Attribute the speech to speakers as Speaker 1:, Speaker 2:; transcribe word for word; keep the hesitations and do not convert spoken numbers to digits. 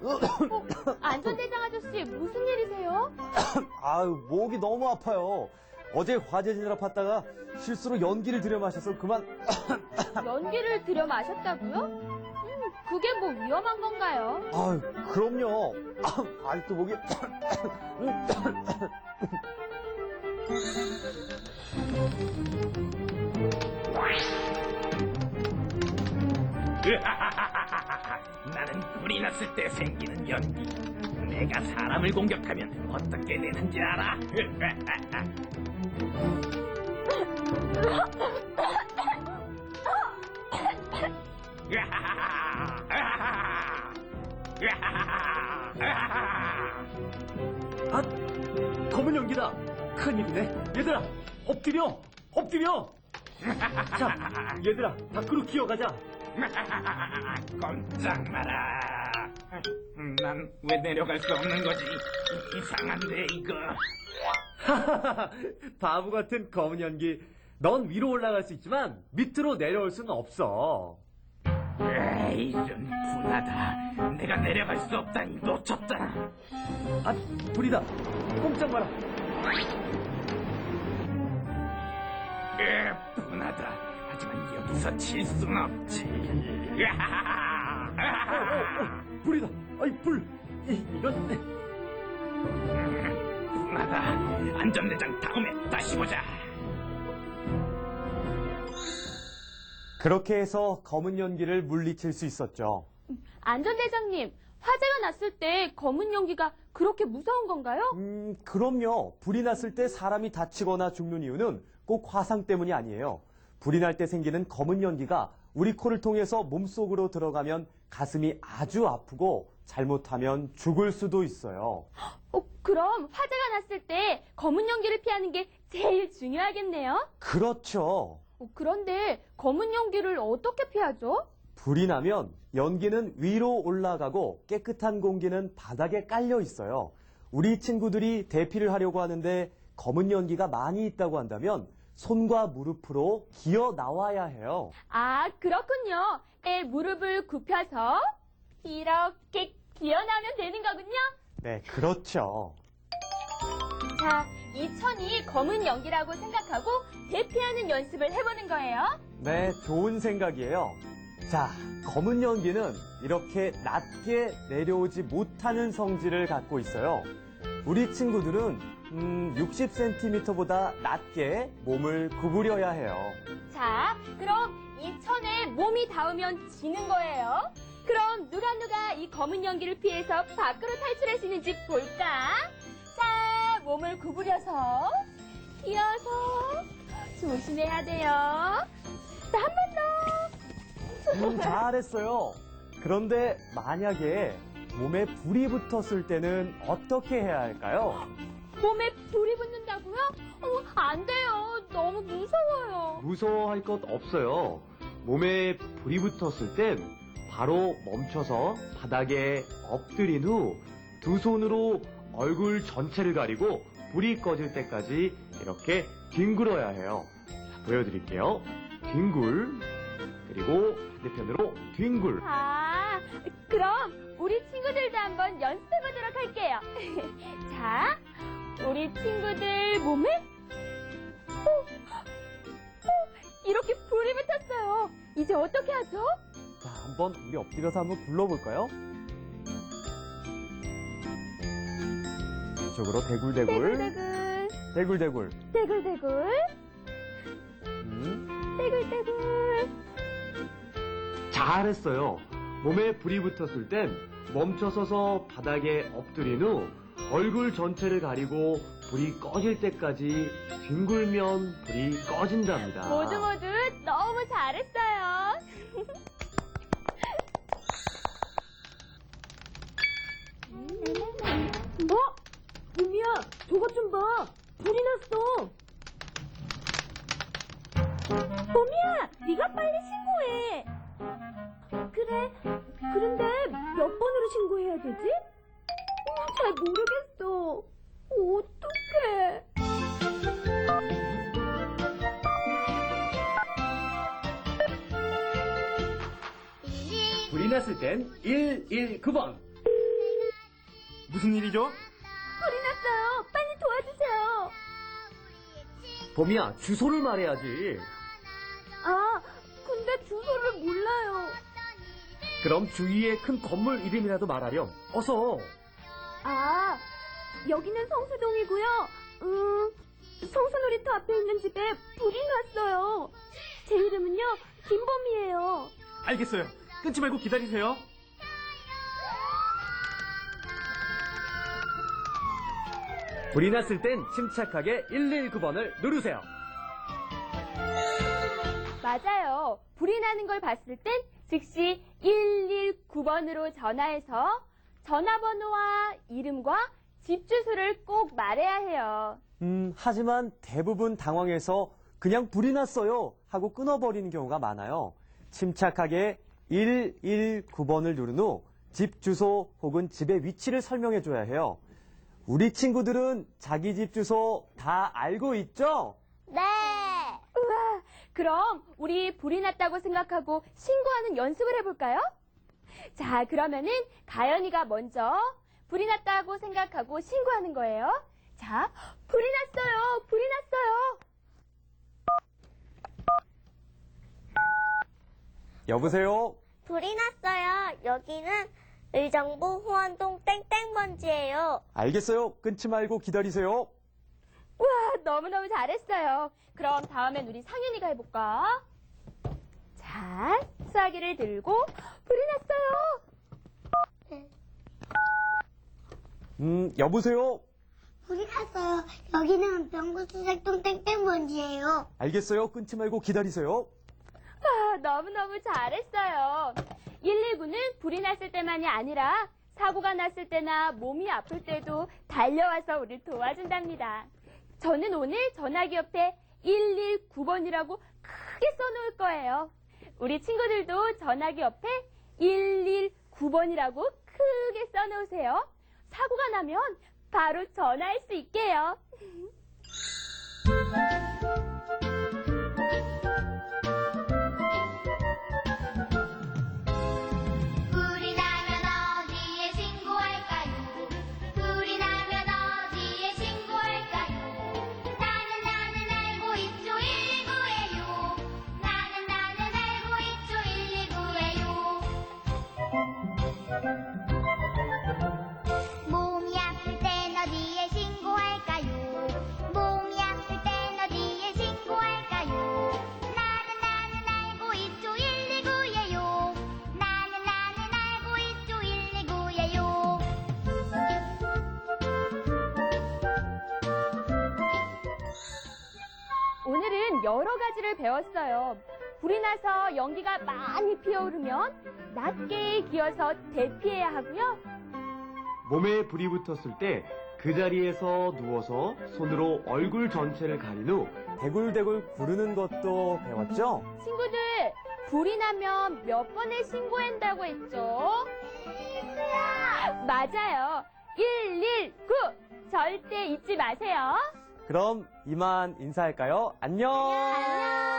Speaker 1: 어, 안전대장 아저씨, 무슨 일이세요?
Speaker 2: 아유, 목이 너무 아파요. 어제 화재지느라 팠다가 실수로 연기를 들여 마셔서 그만.
Speaker 1: 연기를 들여 마셨다고요? 음, 그게 뭐 위험한 건가요?
Speaker 2: 아유, 그럼요. 아직도 목이.
Speaker 3: 나는 불이 났을 때 생기는 연기. 내가 사람을 공격하면 어떻게 되는지 알아?
Speaker 4: 아, 검은 연기다. 큰일이네. 얘들아, 엎드려, 엎드려. 자, 얘들아, 밖으로 기어가자.
Speaker 3: 꼼짝 마라. 난 왜 내려갈 수 없는 거지? 이상한데 이거.
Speaker 4: 바보 같은 검은 연기. 넌 위로 올라갈 수 있지만 밑으로 내려올 수는 없어.
Speaker 3: 에이, 좀 분하다. 내가 내려갈 수 없다니 놓쳤다.
Speaker 4: 아, 불이다. 꼼짝 마라.
Speaker 3: 에, 분하다. 하지만 여기서 칠 순 없지.
Speaker 4: 어, 어, 어, 불이다. 아이, 불. 이, 이건.
Speaker 3: 음, 분하다. 안전대장 다음에 다시 보자.
Speaker 2: 그렇게 해서 검은 연기를 물리칠 수 있었죠.
Speaker 1: 안전대장님, 화재가 났을 때 검은 연기가 그렇게 무서운 건가요?
Speaker 2: 음, 그럼요. 불이 났을 때 사람이 다치거나 죽는 이유는 꼭 화상 때문이 아니에요. 불이 날 때 생기는 검은 연기가 우리 코를 통해서 몸속으로 들어가면 가슴이 아주 아프고 잘못하면 죽을 수도 있어요.
Speaker 1: 어, 그럼 화재가 났을 때 검은 연기를 피하는 게 제일 중요하겠네요?
Speaker 2: 그렇죠.
Speaker 1: 어, 그런데 검은 연기를 어떻게 피하죠?
Speaker 2: 불이 나면 연기는 위로 올라가고 깨끗한 공기는 바닥에 깔려 있어요. 우리 친구들이 대피를 하려고 하는데 검은 연기가 많이 있다고 한다면 손과 무릎으로 기어 나와야 해요.
Speaker 1: 아, 그렇군요. 에, 무릎을 굽혀서 이렇게 기어나면 되는 거군요.
Speaker 2: 네, 그렇죠.
Speaker 1: 자, 이 천이 검은 연기라고 생각하고 대피하는 연습을 해보는 거예요.
Speaker 2: 네, 좋은 생각이에요. 자, 검은 연기는 이렇게 낮게 내려오지 못하는 성질을 갖고 있어요. 우리 친구들은 음, 육십 센티미터보다 낮게 몸을 구부려야 해요.
Speaker 1: 자, 그럼 이 천에 몸이 닿으면 지는 거예요. 그럼 누가 누가 이 검은 연기를 피해서 밖으로 탈출할 수 있는지 볼까? 자, 몸을 구부려서 기어서 조심해야 돼요. 자, 한 번 더.
Speaker 2: 음, 잘했어요. 그런데 만약에 몸에 불이 붙었을 때는 어떻게 해야 할까요?
Speaker 1: 몸에 불이 붙는다고요? 어, 안 돼요. 너무 무서워요.
Speaker 4: 무서워할 것 없어요. 몸에 불이 붙었을 땐 바로 멈춰서 바닥에 엎드린 후 두 손으로 얼굴 전체를 가리고 불이 꺼질 때까지 이렇게 뒹굴어야 해요. 자, 보여드릴게요. 뒹굴, 그리고 반대편으로 뒹굴.
Speaker 1: 아, 그럼 우리 친구들도 한번 연습해 보도록 할게요. 자, 우리 친구들 몸에 어, 어, 이렇게 불이 붙었어요. 이제 어떻게 하죠?
Speaker 2: 자, 한번 우리 엎드려서 한번 굴러볼까요? 이쪽으로 대굴대굴,
Speaker 1: 대굴대굴,
Speaker 2: 대굴대굴.
Speaker 1: 대굴대굴,
Speaker 2: 음,
Speaker 1: 대굴대굴.
Speaker 4: 잘했어요. 몸에 불이 붙었을 땐 멈춰서서 바닥에 엎드린 후 얼굴 전체를 가리고 불이 꺼질 때까지 뒹굴면 불이 꺼진답니다.
Speaker 1: 모두 모두 너무 잘했어요. 뭐? 유미야, 저것 좀 봐. 불이 났어. 봄이야, 네가 빨리 신고해. 그래. 그런데 몇 번으로 신고해야 되지? 어, 잘 모르겠어. 어떡해.
Speaker 4: 불이 났을 땐 일일구 번.
Speaker 3: 무슨 일이죠?
Speaker 1: 불이 났어요. 빨리 도와주세요.
Speaker 4: 봄이야, 주소를 말해야지.
Speaker 1: 아, 근데 주소를 몰라요.
Speaker 4: 그럼 주위에 큰 건물 이름이라도 말하렴. 어서.
Speaker 1: 아, 여기는 성수동이고요. 음, 성수놀이터 앞에 있는 집에 불이 났어요. 제 이름은요, 김범이에요.
Speaker 3: 알겠어요. 끊지 말고 기다리세요.
Speaker 4: 불이 났을 땐 침착하게 일일구 번을 누르세요.
Speaker 1: 맞아요. 불이 나는 걸 봤을 땐 즉시 일일구 번으로 전화해서 전화번호와 이름과 집 주소를 꼭 말해야 해요.
Speaker 2: 음, 하지만 대부분 당황해서 그냥 불이 났어요 하고 끊어버리는 경우가 많아요. 침착하게 일일구 번을 누른 후 집 주소 혹은 집의 위치를 설명해 줘야 해요. 우리 친구들은 자기 집 주소 다 알고 있죠?
Speaker 1: 네. 우와, 그럼 우리 불이 났다고 생각하고 신고하는 연습을 해볼까요? 자, 그러면은 가연이가 먼저 불이 났다고 생각하고 신고하는 거예요. 자, 불이 났어요. 불이 났어요.
Speaker 2: 여보세요?
Speaker 5: 불이 났어요. 여기는 의정부 호안동 땡땡번지예요.
Speaker 2: 알겠어요. 끊지 말고 기다리세요.
Speaker 1: 우와, 너무너무 잘했어요. 그럼 다음엔 우리 상윤이가 해볼까? 자, 수화기를 들고 불이 났어요.
Speaker 2: 음, 여보세요?
Speaker 5: 불이 났어요. 여기는 병구수색동 땡땡번지예요.
Speaker 2: 알겠어요. 끊지 말고 기다리세요.
Speaker 1: 와, 너무너무 잘했어요. 일일구는 불이 났을 때만이 아니라 사고가 났을 때나 몸이 아플 때도 달려와서 우리를 도와준답니다. 저는 오늘 전화기 옆에 일일구 번이라고 크게 써놓을 거예요. 우리 친구들도 전화기 옆에 일일구 번이라고 크게 써놓으세요. 사고가 나면 바로 전화할 수 있게요.
Speaker 6: 불이 나면 어디에 신고할까요? 불이 나면 어디에 신고할까요? 나는 나는 알고 있죠 일일구예요. 나는 나는 알고 있죠 일일구예요. 몸이 아플 땐 어디에 신고할까요? 몸이 아플 땐 어디에 신고할까요? 나는 나는 알고 있죠 일일구예요. 나는 나는 알고 있죠 일일구예요.
Speaker 1: 오늘은 여러 가지를 배웠어요. 불이 나서 연기가 많이 피어오르면 낮게 기어서 대피해야 하고요.
Speaker 4: 몸에 불이 붙었을 때 그 자리에서 누워서 손으로 얼굴 전체를 가린 후
Speaker 2: 대굴대굴 구르는 것도 배웠죠?
Speaker 1: 친구들, 불이 나면 몇 번에 신고한다고 했죠? 맞아요. 일일구! 절대 잊지 마세요.
Speaker 2: 그럼 이만 인사할까요? 안녕!
Speaker 1: 안녕!